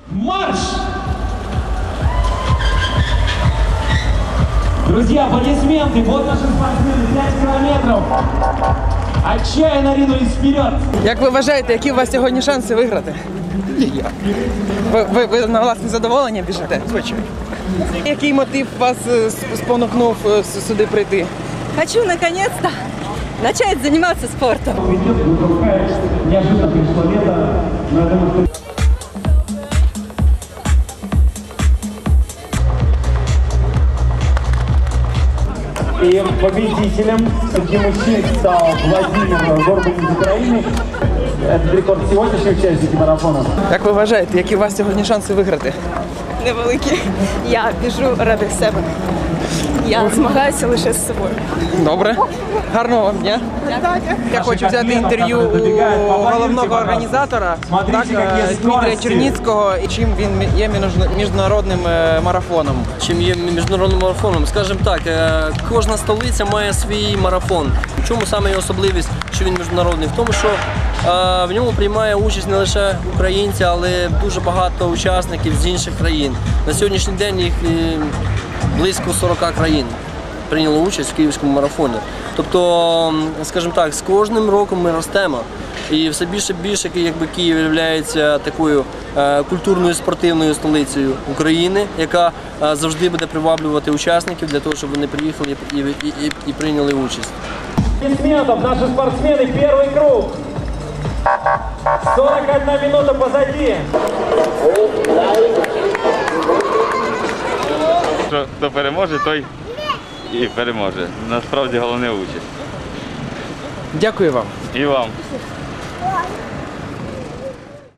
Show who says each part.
Speaker 1: Марш! Друзья, аплодисменты. Вот наши спортсмены, 5 километров. Отчаянно ринулись вперед.
Speaker 2: Як ви вважаєте, які у вас сьогодні шанси виграти? Ніяк. Ви на власне задоволення біжите?
Speaker 3: Звичайно.
Speaker 2: Який мотив вас спонукнув сюди прийти?
Speaker 4: Хочу наконец-то начать заниматься спортом.
Speaker 1: Неожиданно пришло лето, но я думаю, что... И победителем среди мужчин стал Владимир Горбань из Украины. Это рекорд сегодняшней участники марафона.
Speaker 2: Як ви вважаєте, які у вас сьогодні шанси виграти?
Speaker 4: Невеликі. Я біжу ради себе. Я змагаюся лише з собою.
Speaker 2: Добре. Гарного вам дня. Я хочу взяти інтерв'ю у головного організатора, так, Дмитрія Черніцького, і чим він є міжнародним марафоном.
Speaker 5: Чим є міжнародним марафоном? Скажімо так, кожна столиця має свій марафон. В чому саме його особливість, що він міжнародний? В тому, що в ньому приймає участь не лише українці, але дуже багато учасників з інших країн. На сьогоднішній день їх близько 40 країн прийняло участь в київському марафоні. Тобто, скажімо так, з кожним роком ми ростемо. І все більше і більше, якби Київ є такою культурною спортивною столицею України, яка завжди буде приваблювати учасників для того, щоб вони приїхали і прийняли участь.
Speaker 1: Аплодисментов, наши спортсмены, первый круг. 41 минута позади.
Speaker 3: Хто переможе, той і переможе. Насправді головне участь.
Speaker 2: Дякую вам.
Speaker 3: І вам.